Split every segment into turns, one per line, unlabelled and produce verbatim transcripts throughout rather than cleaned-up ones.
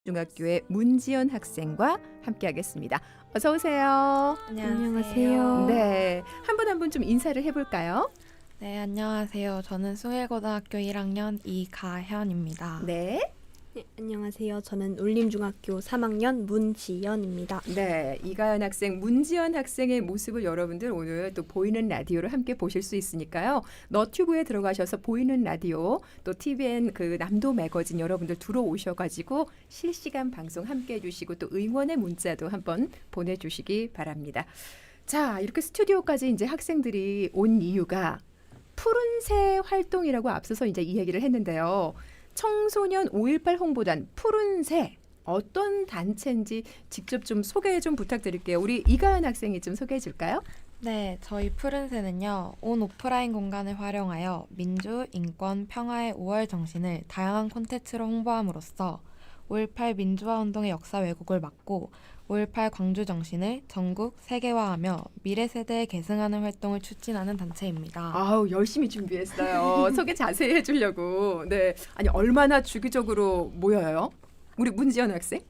중학교의 문지연 학생과 함께하겠습니다. 어서 오세요.
안녕하세요.
네, 한 분 한 분 좀 인사를 해볼까요?
네, 안녕하세요. 저는 숭일고등학교 일 학년 이가현입니다.
네,
네, 안녕하세요. 저는 울림중학교 삼 학년 문지연입니다.
네, 이가연 학생, 문지연 학생의 모습을 여러분들 오늘 또 보이는 라디오로 함께 보실 수 있으니까요. 너튜브에 들어가셔서 보이는 라디오, 또 티비엔 그 남도 매거진 여러분들 들어오셔가지고 실시간 방송 함께 해주시고 또 응원의 문자도 한번 보내주시기 바랍니다. 자, 이렇게 스튜디오까지 이제 학생들이 온 이유가 푸른새 활동이라고 앞서서 이제 이 얘기를 했는데요. 청소년 오일팔 홍보단 푸른새 어떤 단체인지 직접 좀 소개 좀 부탁드릴게요. 우리 이가연 학생이 좀 소개해 줄까요?
네, 저희 푸른새는요. 온 오프라인 공간을 활용하여 민주, 인권, 평화의 오월 정신을 다양한 콘텐츠로 홍보함으로써 오일팔 민주화 운동의 역사 왜곡을 막고 오일팔 광주 정신을 전국 세계화하며 미래 세대에 계승하는 활동을 추진하는 단체입니다.
아우 열심히 준비했어요. 소개 자세히 해주려고. 네, 아니 얼마나 주기적으로 모여요? 우리 문지연 학생?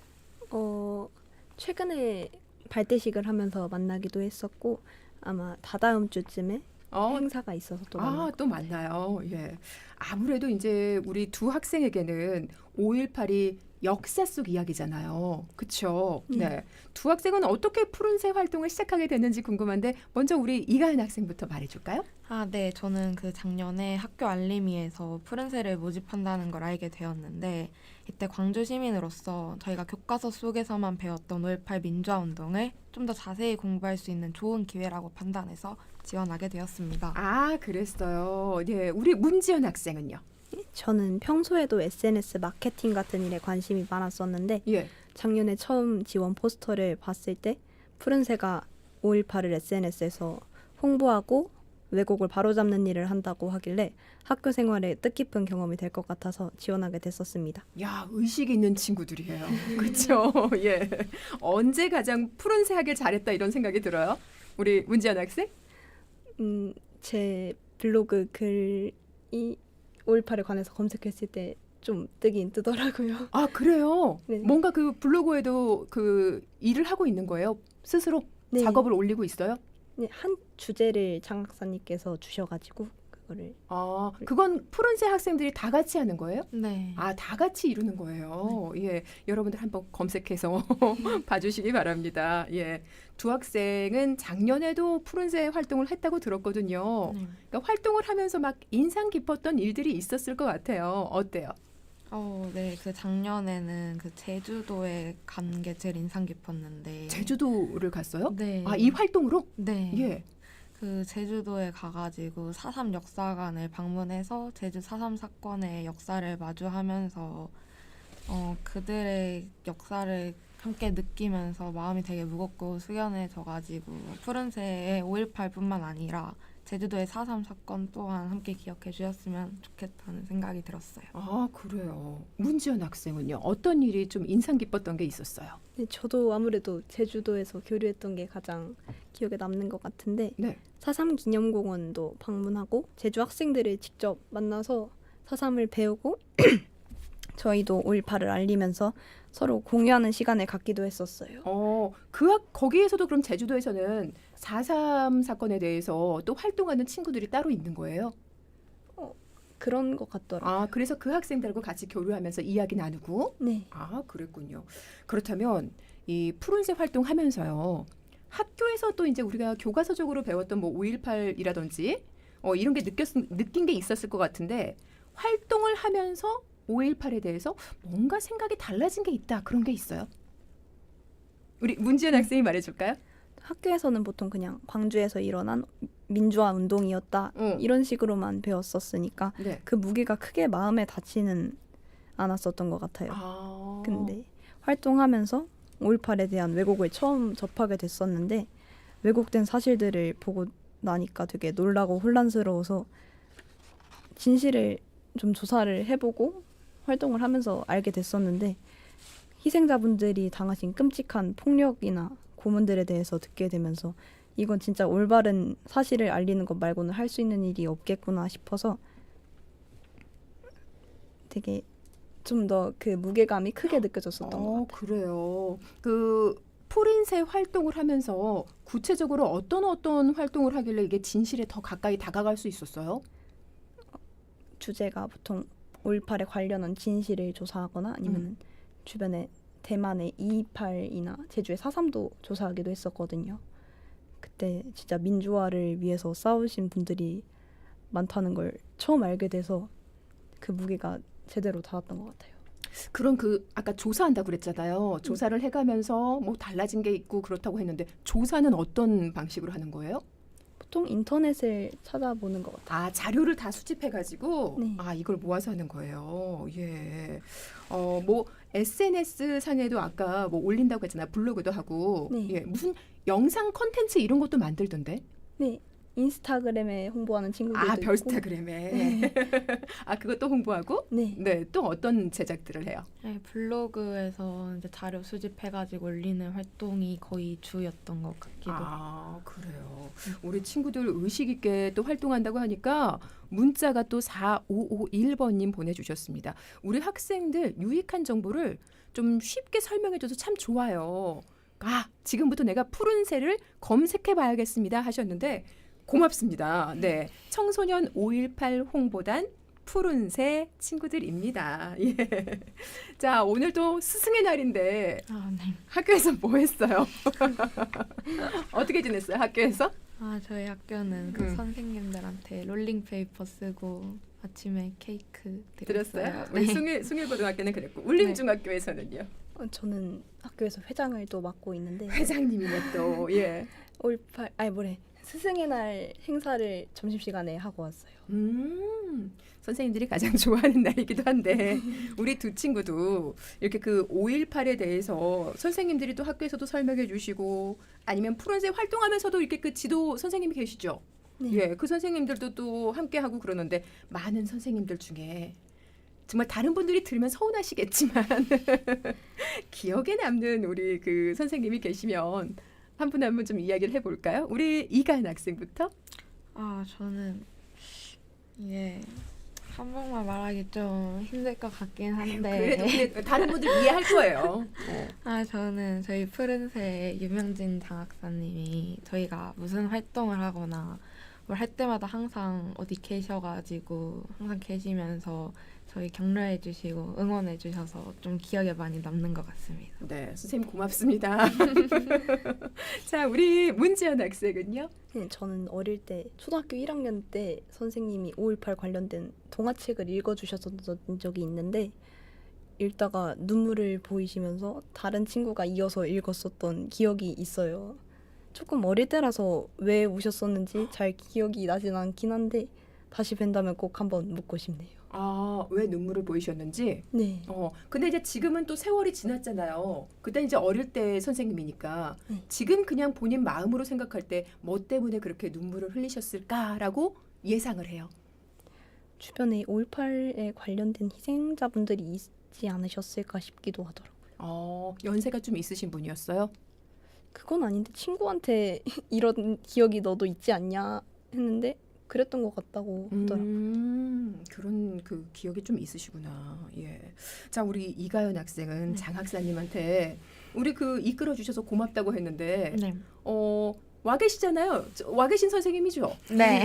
어, 최근에 발대식을 하면서 만나기도 했었고 아마 다다음 주쯤에
어,
행사가 있어서 또
아,
만나요.
또 만나요. 예. 아무래도 이제 우리 두 학생에게는 오일팔이 역사 속 이야기잖아요. 그렇죠?
음.
네. 두 학생은 어떻게 푸른새 활동을 시작하게 됐는지 궁금한데 먼저 우리 이가연 학생부터 말해 줄까요?
아, 네. 저는 그 작년에 학교 알림이에서 푸른새를 모집한다는 걸 알게 되었는데 이때 광주 시민으로서 저희가 교과서 속에서만 배웠던 오일팔 민주화 운동을 좀 더 자세히 공부할 수 있는 좋은 기회라고 판단해서 지원하게 되었습니다.
아, 그랬어요. 네. 우리 문지연 학생은요?
저는 평소에도 에스엔에스 마케팅 같은 일에 관심이 많았었는데
예.
작년에 처음 지원 포스터를 봤을 때 푸른새가 오일팔을 에스엔에스에서 홍보하고 왜곡을 바로잡는 일을 한다고 하길래 학교 생활에 뜻깊은 경험이 될 것 같아서 지원하게 됐었습니다.
야, 의식 있는 친구들이에요. 그렇죠? 예. 언제 가장 푸른새 하길 잘했다 이런 생각이 들어요? 우리 문지연 학생?
음, 제 블로그 글이 오일팔에 관해서 검색했을 때 좀 뜨긴 뜨더라고요.
아, 그래요?
네.
뭔가 그 블로그에도 그 일을 하고 있는 거예요? 스스로
네.
작업을 올리고 있어요?
네, 한 주제를 장 박사님께서 주셔가지고 그거를
아, 그건 푸른새 학생들이 다 같이 하는 거예요?
네.
아, 다 같이 이루는 거예요. 예, 여러분들 한번 검색해서 봐주시기 바랍니다. 예, 두 학생은 작년에도 푸른새 활동을 했다고 들었거든요.
네.
그러니까 활동을 하면서 막 인상 깊었던 일들이 있었을 것 같아요. 어때요?
어, 네. 그 작년에는 그 제주도에 간 게 제일 인상 깊었는데.
제주도를 갔어요?
네.
아, 이 활동으로?
네.
예.
그 제주도에 가가지고 사삼 역사관을 방문해서 제주 사삼 사건의 역사를 마주하면서 어, 그들의 역사를 함께 느끼면서 마음이 되게 무겁고 숙연해져가지고 푸른새의 오일팔뿐만 아니라 제주도의 사삼 사건 또한 함께 기억해 주셨으면 좋겠다는 생각이 들었어요.
아, 그래요. 문지연 학생은요? 어떤 일이 좀 인상 깊었던 게 있었어요?
네, 저도 아무래도 제주도에서 교류했던 게 가장 기억에 남는 것 같은데
네.
사삼 기념공원도 방문하고 제주 학생들을 직접 만나서 사삼을 배우고 저희도 오일팔을 알리면서 서로 공유하는 시간을 갖기도 했었어요.
어, 그 학, 거기에서도 그럼 제주도에서는 사삼 사건에 대해서 또 활동하는 친구들이 따로 있는 거예요?
그런 것 같더라고요.
아, 그래서 그 학생들하고 같이 교류하면서 이야기 나누고?
네.
아, 그랬군요. 그렇다면 이 푸른새 활동하면서요. 학교에서 또 이제 우리가 교과서적으로 배웠던 뭐 오일팔이라든지 어, 이런 게 느꼈, 느낀 게 있었을 것 같은데 활동을 하면서 오일팔에 대해서 뭔가 생각이 달라진 게 있다. 그런 게 있어요? 우리 문지연 학생이 말해줄까요?
학교에서는 보통 그냥 광주에서 일어난 민주화 운동이었다
응.
이런 식으로만 배웠었으니까
네.
그 무게가 크게 마음에 닿지는 않았었던 것 같아요.
아.
근데 활동하면서 오일팔에 대한 왜곡을 처음 접하게 됐었는데 왜곡된 사실들을 보고 나니까 되게 놀라고 혼란스러워서 진실을 좀 조사를 해보고 활동을 하면서 알게 됐었는데 희생자분들이 당하신 끔찍한 폭력이나 고문들에 대해서 듣게 되면서 이건 진짜 올바른 사실을 알리는 것 말고는 할 수 있는 일이 없겠구나 싶어서 되게 좀 더 그 무게감이 크게 느껴졌었던 것
어,
같아요.
그래요. 그 푸른새 활동을 하면서 구체적으로 어떤 어떤 활동을 하길래 이게 진실에 더 가까이 다가갈 수 있었어요?
주제가 보통 오일팔에 관련한 진실을 조사하거나 아니면
음.
주변에 대만의 이이팔이나 제주의 사삼도 조사하기도 했었거든요. 그때 진짜 민주화를 위해서 싸우신 분들이 많다는 걸 처음 알게 돼서 그 무게가 제대로 닿았던 것 같아요.
그런 그 아까 조사한다고 그랬잖아요. 조사를 해가면서 뭐 달라진 게 있고 그렇다고 했는데 조사는 어떤 방식으로 하는 거예요?
보통 인터넷을 찾아보는 것 같아요.
아, 자료를 다 수집해가지고
네.
아 이걸 모아서 하는 거예요. 예. 어, 뭐 에스엔에스 상에도 아까 뭐 올린다고 했잖아요. 블로그도 하고
네.
예, 무슨 영상 컨텐츠 이런 것도 만들던데.
네, 인스타그램에 홍보하는 친구들도
아,
있고.
별스타그램에. 아, 그것도 홍보하고.
네,
네, 또 어떤 제작들을 해요?
네, 블로그에서 이제 자료 수집해가지고 올리는 활동이 거의 주였던 것 같기도 해요.
아, 그래요. 우리 친구들 의식 있게 또 활동한다고 하니까 문자가 또 사오오일 번님 보내주셨습니다. 우리 학생들 유익한 정보를 좀 쉽게 설명해줘서 참 좋아요. 아, 지금부터 내가 푸른새를 검색해봐야겠습니다 하셨는데 고맙습니다. 네, 청소년 오일팔 홍보단 푸른새 친구들입니다. 예. 자, 오늘도 스승의 날인데
아, 네.
학교에서 뭐 했어요? 어떻게 지냈어요? 학교에서?
아, 저희 학교는 그
음.
선생님들한테 롤링페이퍼 쓰고 아침에 케이크 드렸어요.
들었어요? 우리
네.
숭일 숭일고등학교는 그랬고 울림중학교에서는요.
어, 저는 학교에서 회장을 또 맡고 있는데
회장님이네 또. 예.
오일팔 아니 뭐래 스승의 날 행사를 점심시간에 하고 왔어요.
음. 선생님들이 가장 좋아하는 날이기도 한데 우리 두 친구도 이렇게 그 오일팔에 대해서 선생님들이 또 학교에서도 설명해 주시고 아니면 푸른새 활동하면서도 이렇게 그 지도 선생님이 계시죠.
네.
예, 그 선생님들도 또 함께 하고 그러는데 많은 선생님들 중에 정말 다른 분들이 들으면 서운하시겠지만 기억에 남는 우리 그 선생님이 계시면 한 분 한 분 좀 이야기를 해볼까요? 우리 이가연 학생부터.
아, 저는 예. 한 번만 말하기 좀 힘들 것 같긴 한데.
그래도 근데 다른 분들 이해할 거예요. 어.
아, 저는 저희 푸른새 유명진 장학사님이 저희가 무슨 활동을 하거나 뭘 할 때마다 항상 어디 계셔가지고 항상 계시면서 저희 격려해 주시고 응원해 주셔서 좀 기억에 많이 남는 것 같습니다.
네, 선생님 고맙습니다. 자, 우리 문지연 학생은요?
네, 저는 어릴 때 초등학교 일 학년 때 선생님이 오일팔 관련된 동화책을 읽어주셨던 적이 있는데 읽다가 눈물을 보이시면서 다른 친구가 이어서 읽었었던 기억이 있어요. 조금 어릴 때라서 왜 우셨었는지 잘 기억이 나진 않긴 한데 다시 뵌다면 꼭 한번 묻고 싶네요.
아, 왜 눈물을 보이셨는지?
네.
어, 근데 이제 지금은 또 세월이 지났잖아요. 그때 이제 어릴 때 선생님이니까
네.
지금 그냥 본인 마음으로 생각할 때 뭐 때문에 그렇게 눈물을 흘리셨을까라고 예상을 해요.
주변에 오일팔에 관련된 희생자분들이 있지 않으셨을까 싶기도 하더라고요.
어, 연세가 좀 있으신 분이었어요?
그건 아닌데 친구한테 이런 기억이 너도 있지 않냐 했는데 그랬던 것 같다고 하더라고요.
음, 그런 그 기억이 좀 있으시구나. 예. 자, 우리 이가연 학생은
네.
장 학사님한테 우리 그 이끌어 주셔서 고맙다고 했는데
네.
어, 와 계시잖아요. 저- 와 계신 선생님이죠.
네.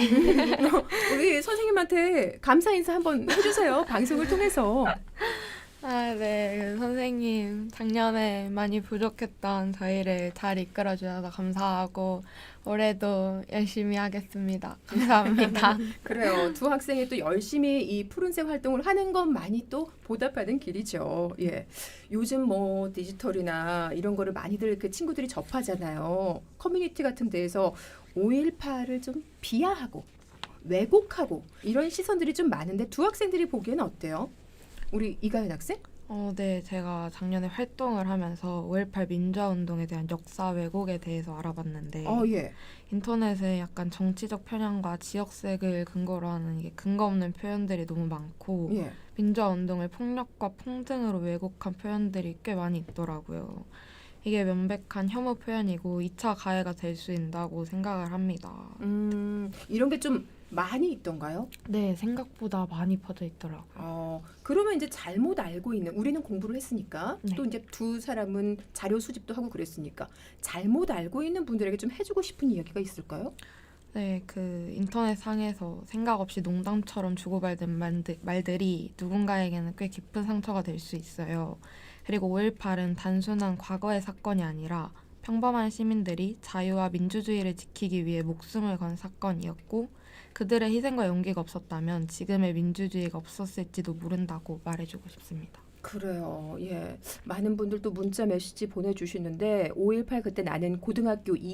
우리 선생님한테 감사 인사 한번 해주세요. 방송을 통해서.
아, 네. 그 선생님, 작년에 많이 부족했던 저희를 잘 이끌어 주셔서 감사하고 올해도 열심히 하겠습니다. 감사합니다.
그래요. 두 학생이 또 열심히 이 푸른색 활동을 하는 것만이 또 보답하는 길이죠. 예. 요즘 뭐 디지털이나 이런 거를 많이들 그 친구들이 접하잖아요. 커뮤니티 같은 데에서 오일팔을 좀 비하하고 왜곡하고 이런 시선들이 좀 많은데 두 학생들이 보기에는 어때요? 우리 이가연 학생?
어, 네. 제가 작년에 활동을 하면서 오일팔 민주화운동에 대한 역사 왜곡에 대해서 알아봤는데
어, 예.
인터넷에 약간 정치적 편향과 지역색을 근거로 하는 이게 근거 없는 표현들이 너무 많고
예.
민주화운동을 폭력과 폭등으로 왜곡한 표현들이 꽤 많이 있더라고요. 이게 명백한 혐오 표현이고 이 차 가해가 될 수 있다고 생각을 합니다.
음, 이런 게 좀 많이 있던가요?
네, 생각보다 많이 퍼져 있더라고요.
어, 그러면 이제 잘못 알고 있는 우리는 공부를 했으니까
네.
또 이제 두 사람은 자료 수집도 하고 그랬으니까 잘못 알고 있는 분들에게 좀 해주고 싶은 이야기가 있을까요?
네, 그 인터넷 상에서 생각 없이 농담처럼 주고받은 말들, 말들이 누군가에게는 꽤 깊은 상처가 될 수 있어요. 그리고 오일팔은 단순한 과거의 사건이 아니라 평범한 시민들이 자유와 민주주의를 지키기 위해 목숨을 건 사건이었고 그들의 희생과 용기가 없었다면 지금의 민주주의가 없었을지도 모른다고 말해주고 싶습니다.
그래요. 예. 많은 분들 또 문자 메시지 보내주시는데 오일팔 그때 나는 고등학교 이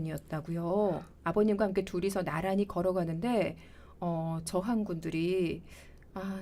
학년이었다고요. 아버님과 함께 둘이서 나란히 걸어가는데 어, 저항군들이 아,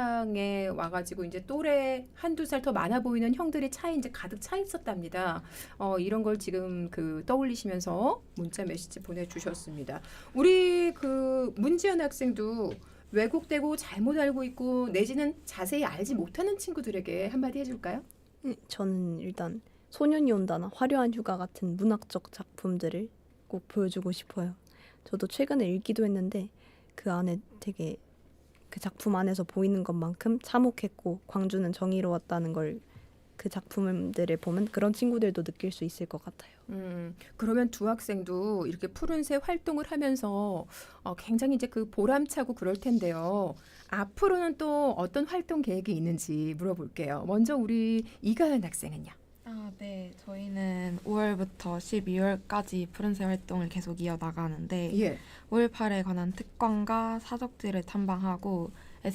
차량에 와가지고 이제 또래 한두 살 더 많아 보이는 형들이 차에 이제 가득 차 있었답니다. 어, 이런 걸 지금 그 떠올리시면서 문자 메시지 보내주셨습니다. 우리 그 문지연 학생도 왜곡되고 잘못 알고 있고 내지는 자세히 알지 못하는 친구들에게 한마디 해줄까요?
네, 저는 일단 소년이 온다나 화려한 휴가 같은 문학적 작품들을 꼭 보여주고 싶어요. 저도 최근에 읽기도 했는데 그 안에 되게 그 작품 안에서 보이는 것만큼 참혹했고 광주는 정의로웠다는 걸 그 작품들을 보면 그런 친구들도 느낄 수 있을 것 같아요.
음, 그러면 두 학생도 이렇게 푸른새 활동을 하면서 어, 굉장히 이제 그 보람차고 그럴 텐데요. 앞으로는 또 어떤 활동 계획이 있는지 물어볼게요. 먼저 우리 이가연 학생은요.
아, 네. 저희는 오월부터 십이월까지 푸른새 활동을 계속 이어나가는데
예.
오일팔에 관한 특광과 사적지를 탐방하고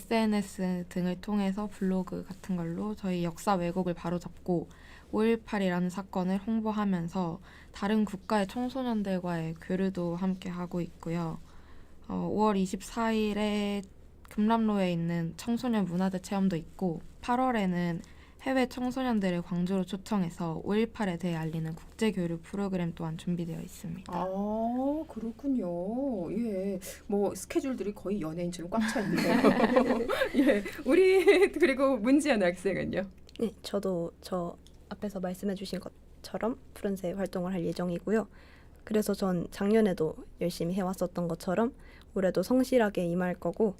에스엔에스 등을 통해서 블로그 같은 걸로 저희 역사 왜곡을 바로잡고 오일팔이라는 사건을 홍보하면서 다른 국가의 청소년들과의 교류도 함께 하고 있고요. 어, 오월 이십사일에 금남로에 있는 청소년 문화재 체험도 있고 팔월에는 해외 청소년들을 광주로 초청해서 오일팔에 대해 알리는 국제교류 프로그램 또한 준비되어 있습니다.
아, 그렇군요. 예. 뭐 스케줄들이 거의 연예인처럼 꽉 차 있네요. 예. 우리 그리고 문지연 학생은요.
네, 저도 저 앞에서 말씀해주신 것처럼 푸른새 활동을 할 예정이고요. 그래서 전 작년에도 열심히 해왔었던 것처럼 올해도 성실하게 임할 거고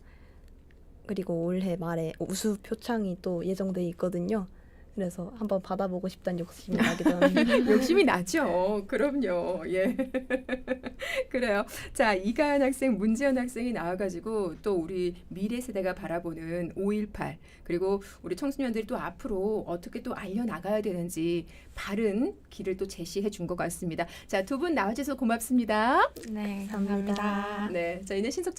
그리고 올해 말에 우수 표창이 또 예정돼 있거든요. 그래서 한번 받아보고 싶다는 욕심이 나기도 합니다.
욕심이 나죠. 그럼요. 예. 그래요. 자, 이가연 학생, 문지연 학생이 나와가지고 또 우리 미래 세대가 바라보는 오일팔 그리고 우리 청소년들이 또 앞으로 어떻게 또 알려나가야 되는지 바른 길을 또 제시해 준 것 같습니다. 자, 두 분 나와주셔서 고맙습니다.
네,
감사합니다.
감사합니다.
네, 저희는 신속